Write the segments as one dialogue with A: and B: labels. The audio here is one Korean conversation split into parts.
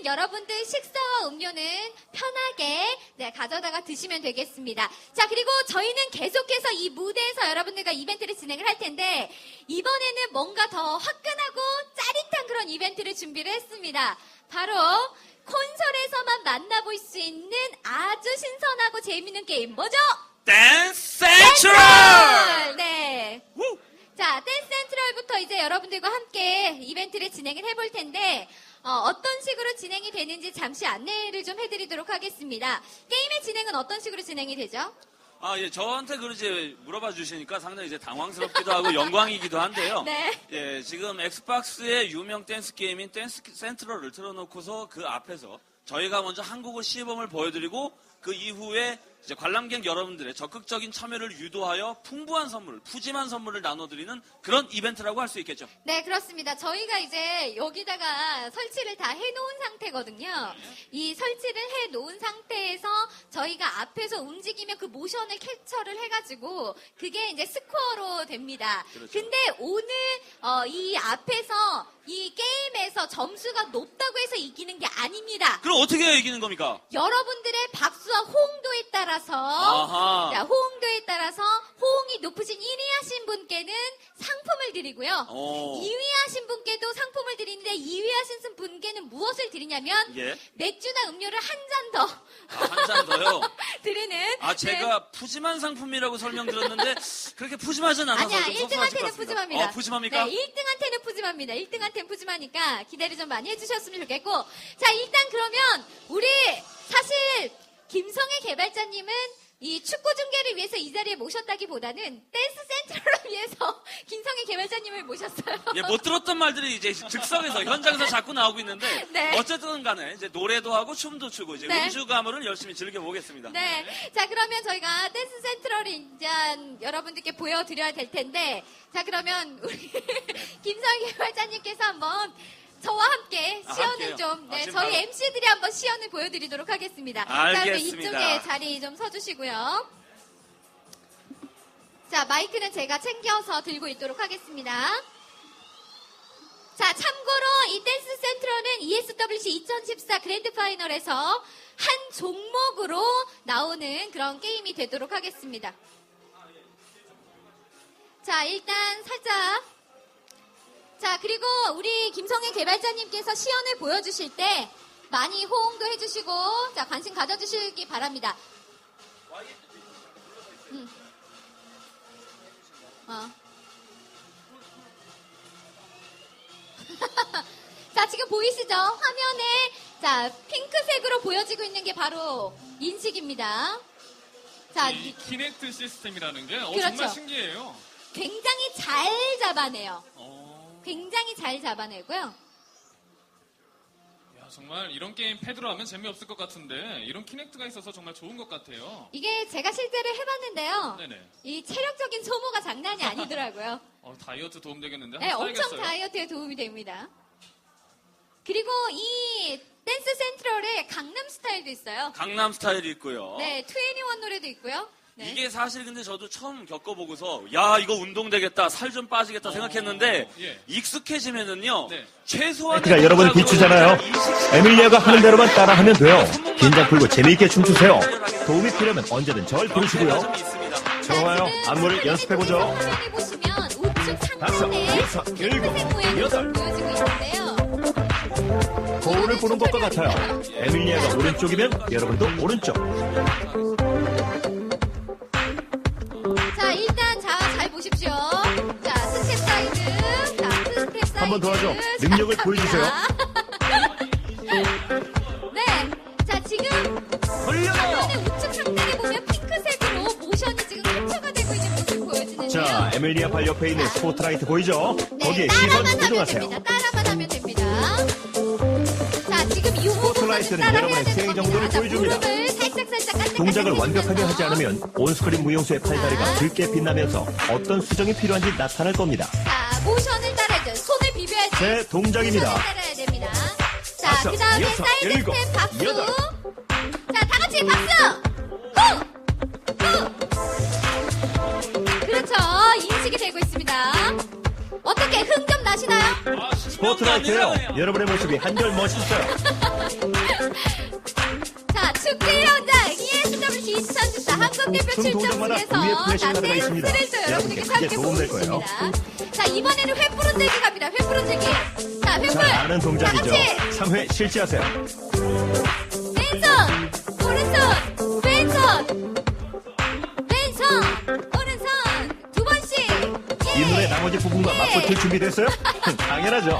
A: 여러분들 식사와 음료는 편하게 가져다가 드시면 되겠습니다. 자, 그리고 저희는 계속해서 이 무대에서 여러분들과 이벤트를 진행을 할 텐데 이번에는 뭔가 더 화끈하고 짜릿한 그런 이벤트를 준비를 했습니다. 바로 콘솔에서만 만나볼 수 있는 아주 신선하고 재밌는 게임 뭐죠?
B: 댄스 센트럴!
A: 네. 자, 댄스 센트럴부터 이제 여러분들과 함께 이벤트를 진행을 해볼 텐데 어떤 식으로 진행이 되는지 잠시 안내를 좀 해드리도록 하겠습니다. 게임의 진행은 어떤 식으로 진행이 되죠?
B: 예, 저한테 이제 물어봐 주시니까 상당히 이제 당황스럽기도 하고 영광이기도 한데요.
A: 네.
B: 예, 지금 엑스박스의 유명 댄스 게임인 댄스 센트럴을 틀어놓고서 그 앞에서 저희가 먼저 한국어 시범을 보여드리고 그 이후에 이제 관람객 여러분들의 적극적인 참여를 유도하여 풍부한 선물, 푸짐한 선물을 나눠드리는 그런 이벤트라고 할 수 있겠죠.
A: 네, 그렇습니다. 저희가 이제 여기다가 설치를 다 해놓은 상태거든요. 이 설치를 해놓은 상태에서 저희가 앞에서 움직이면 그 모션을 캡처를 해가지고 그게 이제 스코어로 됩니다.
B: 그렇죠.
A: 근데 오늘 이 앞에서 이 게임에서 점수가 높다고 해서 이기는 게 아닙니다.
B: 그럼 어떻게 해야 이기는 겁니까?
A: 여러분들의 박수와 호응도에 따라서
B: 아하.
A: 자, 호응도에 따라서 호응이 높으신 1위 하신 분께는 상품을 드리고요.
B: 오.
A: 2위 하신 분께도 상품을 드리는데 2위 하신 분께는 무엇을 드리냐면
B: 예.
A: 맥주나 음료를 한 잔 더
B: 한 잔 더요?
A: 드리는
B: 제가 푸짐한 상품이라고 설명드렸는데 그렇게 푸짐하진 않아서
A: 아니야,
B: 좀 섭섭하실 것
A: 1등한테는
B: 같습니다.
A: 푸짐합니다.
B: 푸짐합니까?
A: 네, 1등한테는 푸짐합니다. 1등한테는 푸짐하니까 기대를 좀 많이 해주셨으면 좋겠고. 자, 일단 그러면 우리 사실 김성애 개발자님은 이 축구 중계를 위해서 이 자리에 모셨다기보다는 댄스 센트럴을 위해서 김성애 개발자님을 모셨어요.
B: 예, 못 들었던 말들이 이제 즉석에서 현장에서 자꾸 나오고 있는데
A: 네.
B: 어쨌든 간에 이제 노래도 하고 춤도 추고 이제
A: 네.
B: 음주 가물을 열심히 즐겨보겠습니다.
A: 네. 자, 그러면 저희가 댄스 센트럴을 이제 여러분들께 보여드려야 될 텐데, 자, 그러면 우리 김성희 개발자님께서 한번 저와 함께 시연을
B: 함께요?
A: 좀, 네,
B: 지금
A: 저희
B: 바로.
A: MC들이 한번 시연을 보여드리도록 하겠습니다. 자, 그럼
B: 알겠습니다.
A: 이쪽에 자리 좀 서주시고요. 자, 마이크는 제가 챙겨서 들고 있도록 하겠습니다. 자, 참고로 이 댄스 센트럴은 ESWC 2014 그랜드 파이널에서 한 종목으로 나오는 그런 게임이 되도록 하겠습니다. 자, 일단 살짝. 자, 그리고 우리 김성애 개발자님께서 시연을 보여주실 때 많이 호응도 해주시고, 자, 관심 가져주시기 바랍니다. 자, 지금 보이시죠? 화면에, 자, 핑크색으로 보여지고 있는 게 바로 인식입니다. 자,
C: 이 키넥트 시스템이라는 게
A: 그렇죠.
C: 정말 신기해요.
A: 굉장히 잘 잡아내요.
C: 어,
A: 굉장히 잘 잡아내고요.
C: 야, 정말 이런 게임 패드로 하면 재미없을 것 같은데 이런 키넥트가 있어서 정말 좋은 것 같아요.
A: 이게 제가 실제로 해봤는데요.
C: 네네.
A: 이 체력적인 소모가 장난이 아니더라고요.
C: 다이어트 도움 되겠는데
A: 네,
C: 한번
A: 엄청
C: 사야겠어요.
A: 다이어트에 도움이 됩니다. 그리고 이 댄스 센트럴에 강남 스타일도 있어요.
B: 강남 스타일이 있고요.
A: 네, 21 노래도 있고요. 네.
B: 이게 사실 근데 저도 처음 겪어보고서 야 이거 운동 되겠다 살 좀 빠지겠다 생각했는데
C: 예.
B: 익숙해지면은요
C: 네.
B: 최소한
D: 가 여러분 비추잖아요. 에밀리아가 하는 대로만 따라하면 돼요. 긴장 풀고 재미있게 춤추세요. 도움이 필요하면 언제든 절 부르시고요. 좋아요. 안무를 연습해보죠.
A: 화면에 보시면 우측
D: 다섯,
A: 상단에
D: 여섯, 일곱,
A: 핑크색 모양이
D: 여덟.
A: 보여지고 있는데요.
D: 거울을 보는 것과 같아요. 에밀리아가 오른쪽이면 여러분도 오른쪽.
A: 자, 일단 잘 보십시오. 자, 스텝 사이드. 자, 스텝 사이드.
D: 한번 더 하죠. 능력을
A: 자,
D: 보여주세요.
A: 갑니다. 네. 자, 지금 화면의 우측 상단에 보면 핑크색으로 모션이 지금 캡처가 되고 있는 모습 보여지는데요.
D: 자, 에밀리아 발 옆에 있는 스포트라이트 보이죠?
A: 네,
D: 거기에 시선
A: 따라만 하면
D: 고정하세요.
A: 됩니다. 따라만 하면 됩니다. 자, 지금 이
D: 스포트라이트는 여러분의 수행 정도를 보여줍니다.
A: 살짝
D: 동작을 완벽하게 하지 않으면 온스크린 무용수의 팔다리가 붉게 빛나면서 어떤 수정이 필요한지 나타날 겁니다.
A: 자, 모션을 따라야죠. 손을 비벼야지.
D: 제 동작입니다.
A: 모션을 따라야 됩니다. 자,
D: 다섯,
A: 그 다음에
D: 여섯,
A: 사이드
D: 일곱,
A: 스텝 박수.
D: 여덟.
A: 자, 다 같이 박수. 후. 그렇죠. 인식이 되고 있습니다. 어떻게 흥 좀 나시나요?
C: 아,
D: 스포트라이트예요. 여러분의 모습이 한결 멋있어요.
A: 자, 축제 현장 ESWC 2014 한국대표
D: 총 동작마다
A: 출전국에서
D: 우위의 플래시 카드가 있습니다.
A: 댄스를 또 여러분에게
D: 여러분께
A: 함께
D: 크게 도움될 거예요.
A: 보여주겠습니다. 자, 이번에는 횃불 들기 갑니다. 횃불 들기. 자, 횃불.
D: 잘 아는 동작이죠.
A: 다 같이
D: 3회 실시하세요.
A: 왼손, 오른손, 왼손, 왼손, 오른손 두 번씩. 예.
D: 이 노래 나머지 부분과
A: 예.
D: 맞붙을 준비됐어요? 당연하죠.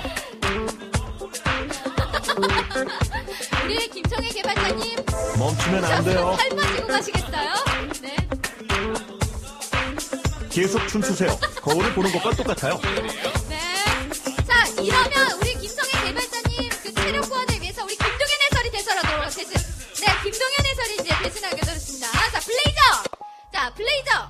A: 우리 김청애 개발자님
D: 멈추면 안 돼요.
A: 팔 빠지고 가시겠어요? 네.
D: 계속 춤추세요. 거울을 보는 것과 똑같아요.
A: 네. 자, 이러면 우리 김청애 개발자님 그 체력 구원을 위해서 우리 김동현 해설이 대설하도록 대신. 네, 김동현 해설이 이제 대신하게 되었습니다. 자, 블레이저. 자, 블레이저.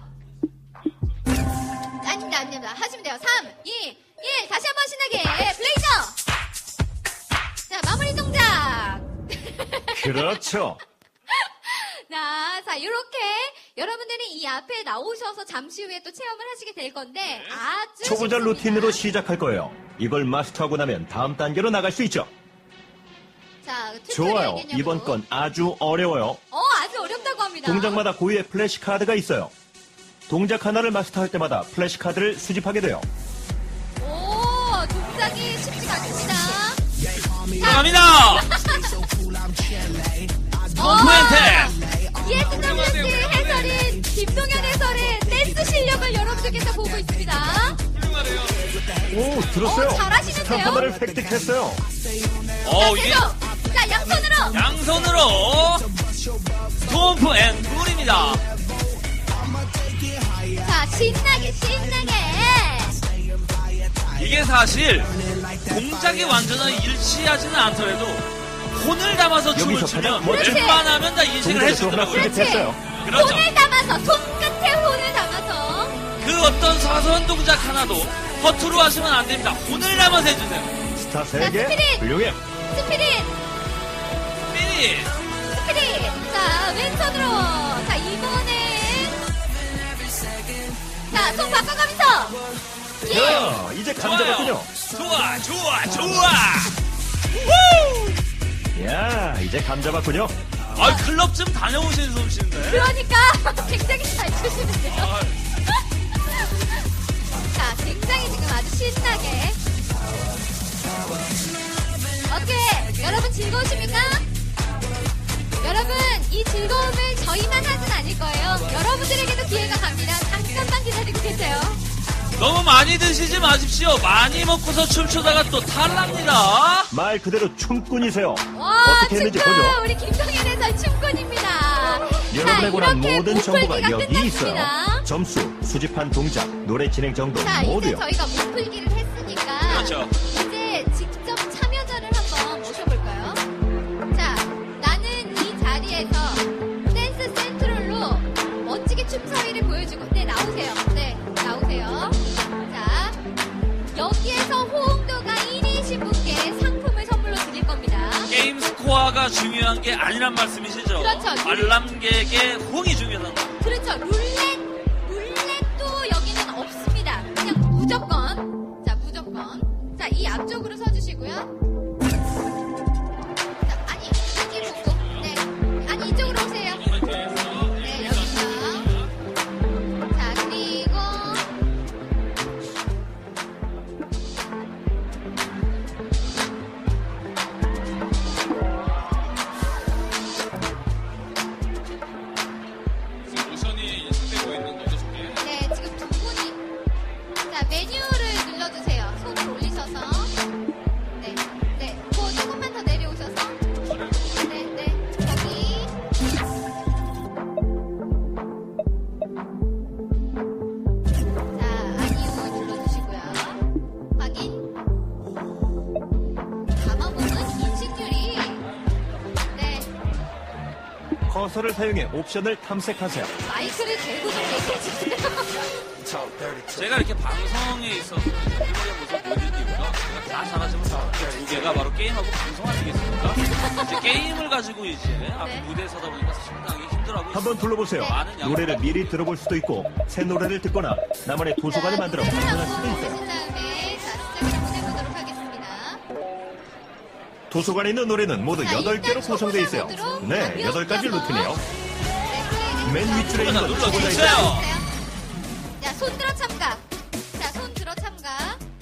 A: 아닙니다. 하시면 돼요. 3, 2, 1. 다시 한번 신나게. 블레이저. 자, 마무리 동작.
D: 그렇죠.
A: 자, 이렇게 여러분들이 이 앞에 나오셔서 잠시 후에 또 체험을 하시게 될 건데 아주
D: 초보자
A: 쉽습니다.
D: 루틴으로 시작할 거예요. 이걸 마스터하고 나면 다음 단계로 나갈 수 있죠.
A: 자,
D: 좋아요.
A: 튜토리얼
D: 이번 건 아주 어려워요.
A: 아주 어렵다고 합니다.
D: 동작마다 고유의 플래시 카드가 있어요. 동작 하나를 마스터할 때마다 플래시 카드를 수집하게 돼요.
A: 오, 동작이 쉽지가 않습니다.
B: 갑니다. 몬테.
A: ESWC 해설인 김동현 해설의 댄스 실력을 여러분들께서 보고 있습니다.
C: 훌륭하네요.
D: 오, 들었어요?
A: 잘하시는데요?
D: 스탑 하나를 획득했어요.
B: 이게
A: 계속. 자, 양손으로.
B: 양손으로 스톰프 앤 룰입니다.
A: 자, 신나게.
B: 이게 사실 동작이 완전히 일치하지는 않더라도 혼을 담아서 춤을
D: 여기서
B: 추면
D: 가장 멋진
B: 웬만하면 다 인식을
D: 동작을 또 하나
B: 해주더라고요.
D: 수집했어요.
B: 그렇죠.
A: 혼을 담아서, 손끝에 혼을 담아서.
B: 그 어떤 사소한 동작 하나도 허투루 하시면 안 됩니다. 혼을 담아서 해주세요.
D: 스타
A: 자,
D: 3개.
A: 스피릿.
D: 훌륭해.
A: 스피릿.
B: 스피릿.
A: 자, 왼손으로. 자, 이번엔. 자, 손 바꿔가면서. 예.
D: 야, 이제 감 잡았군요.
B: 좋아.
D: 야, 이제 감 잡았군요.
B: 클럽 좀 다녀오신 솜씨인데.
A: 그러니까 굉장히 잘 추시는데요. 자, 굉장히 지금 아주 신나게. 어떻게 여러분 즐거우십니까? 여러분 이 즐거움을 저희만 하진 않을 거예요. 여러분들에게도 기회가 갑니다. 잠깐만 기다리고 계세요.
B: 너무 많이 드시지 마십시오. 많이 먹고서 춤추다가 또 탈납니다.
D: 말 그대로 춤꾼이세요.
A: 와,
D: 어떻게 했는지
A: 춤꾼!
D: 보죠.
A: 우리 김동현 해설 춤꾼입니다.
D: 여러분에 관한
A: 이렇게
D: 모든
A: 몸풀기가
D: 정보가 여기 있어요.
A: 끝났습니다.
D: 점수, 수집한 동작, 노래 진행 정도
A: 자, 이제
D: 모두요.
A: 저희가 몸풀기를 했으니까
B: 그렇죠.
A: 이제 직접 참여자를 한번 모셔볼까요? 자, 나는 이 자리에서 댄스 센트럴로 멋지게 춤사위를 보여주고 네, 나오세요. 네, 나오세요. 자, 여기에서 호응도가 1위이신 분께 상품을 선물로 드릴 겁니다.
B: 게임 스코어가 중요한 게 아니란 말씀이시죠?
A: 그렇죠.
B: 관람객의 호응이 중요하다는 거.
A: 그렇죠. 룰렛도 여기는 없습니다. 그냥 무조건. 자, 무조건. 자, 이 앞쪽으로 서주시고요. 자, 아니, 여기로 오고. 네. 아니, 이쪽으로 오세요. 네, 여기서. 자, 그리고.
C: 지금 모션이 인식되고 있는 거죠, 저게?
A: 네, 지금 두 분이. 자, 메뉴를 눌러주세요. 손을 올리셔서. 네, 네. 그 조금만 더 내려오셔서. 네, 네. 여기. 자, 아니요 눌러주시고요. 확인. 담아보는 인식률이. 네,
D: 커서를 사용해 옵션을 탐색하세요.
A: 마이크를 대고 좀 얘기해주세요.
B: 제가 이렇게 방송에 있어서 우리의 모습 보여드린 이유가 제가 다 잘하지만 두 개가 바로 게임하고 방송 아니겠습니까? 이제 게임을 가지고 이제 앞에 무대에 서다 보니까 상당히 힘들어하고
D: 한번
B: 있습니다.
D: 둘러보세요.
B: 많은 양보.
D: 노래를 미리 들어볼 수도 있고 새 노래를 듣거나 나만의 도서관을 만들어
A: 자,
D: 방송할 수도
A: 노래를
D: 있어요.
A: 한번 보신 다음에 자, 시작을 한번 해보도록 하겠습니다.
D: 도서관에 있는 노래는 모두
A: 자,
D: 8개로
A: 일단
D: 구성되어 있어요.
A: 초보자 모드로
D: 네, 8가지
A: 가볍게
D: 루트네요.
A: 네,
D: 맨 윗줄에 있는 건 초보자
B: 눌러주세요.
D: 있어요.
A: 자, 손 들어 참가. 자, 손 들어 참가.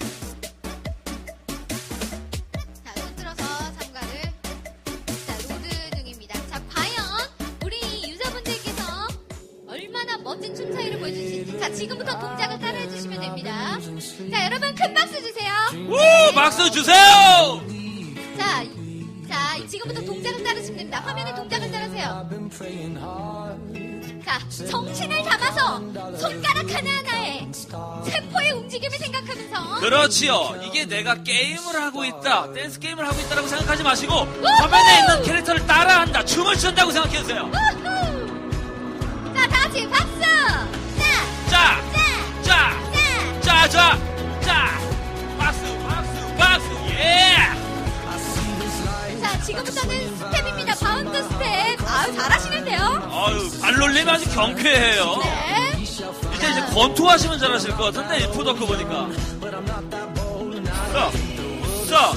A: 자, 손 들어서 참가를. 자, 로드 중입니다. 자, 과연 우리 유저분들께서 얼마나 멋진 춤 차이를 보여주실지. 자, 지금부터 동작을 따라해 주시면 됩니다. 자, 여러분 큰 박수 주세요.
B: 우! 박수 주세요!
A: 자, 지금부터 동작을 따르시면 됩니다. 화면에 동작을 따르세요. 자, 정신을 담아서 손가락 하나하나에 세포의 움직임을 생각하면서
B: 그렇지요. 이게 내가 게임을 하고 있다, 댄스 게임을 하고 있다라고 생각하지 마시고 화면에 있는 캐릭터를 따라한다, 춤을 춘다고 생각해주세요.
A: 우후! 자, 다 같이 박수!
B: 자,
A: 자,
B: 자, 자, 자, 박수, 박수, 박수, 예!
A: 자, 지금부터는 스텝입니다. 바운드 스텝. 아유, 잘하시는데요?
B: 아유, 발놀림 아주 경쾌해요.
A: 네.
B: 이제 권투하시면 잘하실 것 같은데, 이 푸더크 보니까. 자, 자.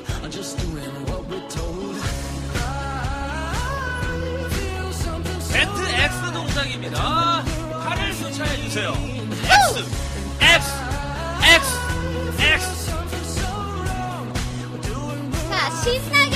B: 벤트 X 동작입니다. 팔을 교차해주세요. X, X, X, X.
A: 자, 신나게.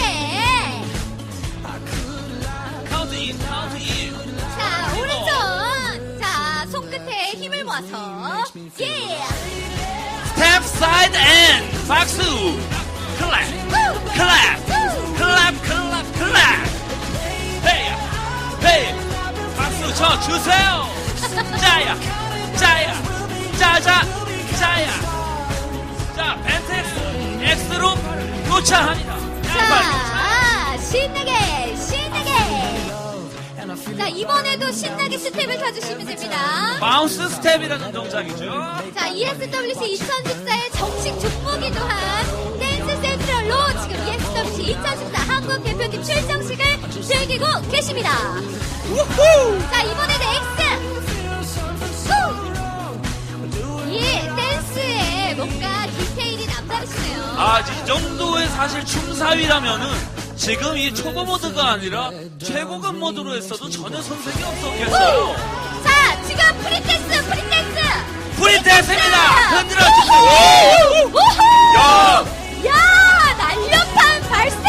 B: 카운트 인, 카운트 인.
A: 자, 오른손. 자, 손끝에 힘을 모아서. 예!
B: 스텝 사이드 앤 박수. 클랩, 클랩, 클랩, 클랩, 클랩. 헤이, 헤이. 박수 쳐 주세요. 짜야, 짜야, 짜자, 짜야. 자, 벤트 X로 교차합니다.
A: 자, 신나게, 신나게. 자, 이번에도 신나게 스텝을 타주시면 됩니다.
B: 바운스 스텝이라는 동작이죠.
A: 자, ESWC 2014의 정식 종목이기도 한 댄스 센트럴로 지금 ESWC 2014 한국 대표팀 출정식을 즐기고 계십니다. 자, 이번에도 X! 후! 예, 댄스에 뭔가 디테일이 남다르시네요.
B: 아, 이 정도의 사실 춤사위라면은 지금 이 초보 모드가 아니라 최고급 모드로 했어도 전혀 손색이 없었겠어요.
A: 자, 지금 프리댄스, 프리댄스!
B: 프리댄스입니다! 흔들어주세요!
A: 우후!
B: 야!
A: 야, 날렵한 발색!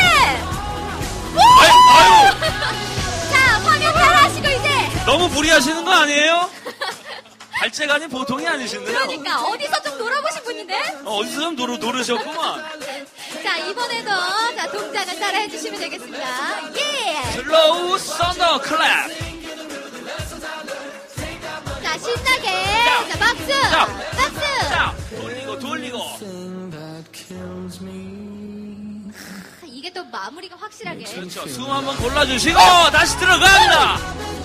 B: 아유!
A: 자, 화면 따라하시고 이제!
B: 너무 무리하시는 거 아니에요? 발재간이 보통이 아니신데요?
A: 그러니까, 어디서 좀 놀아보신 분인데?
B: 어디서 좀 노르셨구만.
A: 자, 이번에도, 자, 동작을 따라 해주시면 되겠습니다. 예!
B: 슬로우 썬더 클랩.
A: 자, 신나게!
B: 자,
A: 자, 박수!
B: 자,
A: 박수!
B: 자, 돌리고.
A: 이게 또 마무리가 확실하게.
B: 그렇죠. 숨 한번 골라주시고 다시 들어갑니다.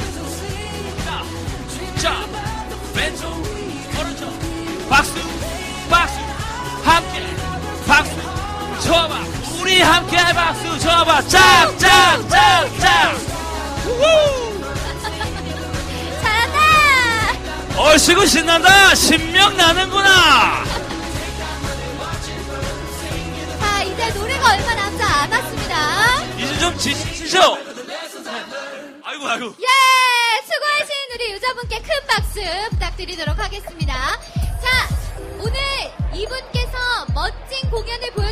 B: 자, 왼쪽, 오른쪽, 박수, 박수, 함께, 박수, 쳐봐. 우리 함께 박수 쳐봐. 짝, 짝, 짝, 짝. 우후!
A: 잘한다!
B: 얼씨구 신난다. 신명 나는구나.
A: 자, 이제 노래가 얼마 남지 않았습니다.
B: 이제 좀 지치죠? 아이고.
A: 예! 수고하신 우리 유저분께 큰 박수 부탁드리도록 하겠습니다. 자, 오늘 이분께서 멋진 공연을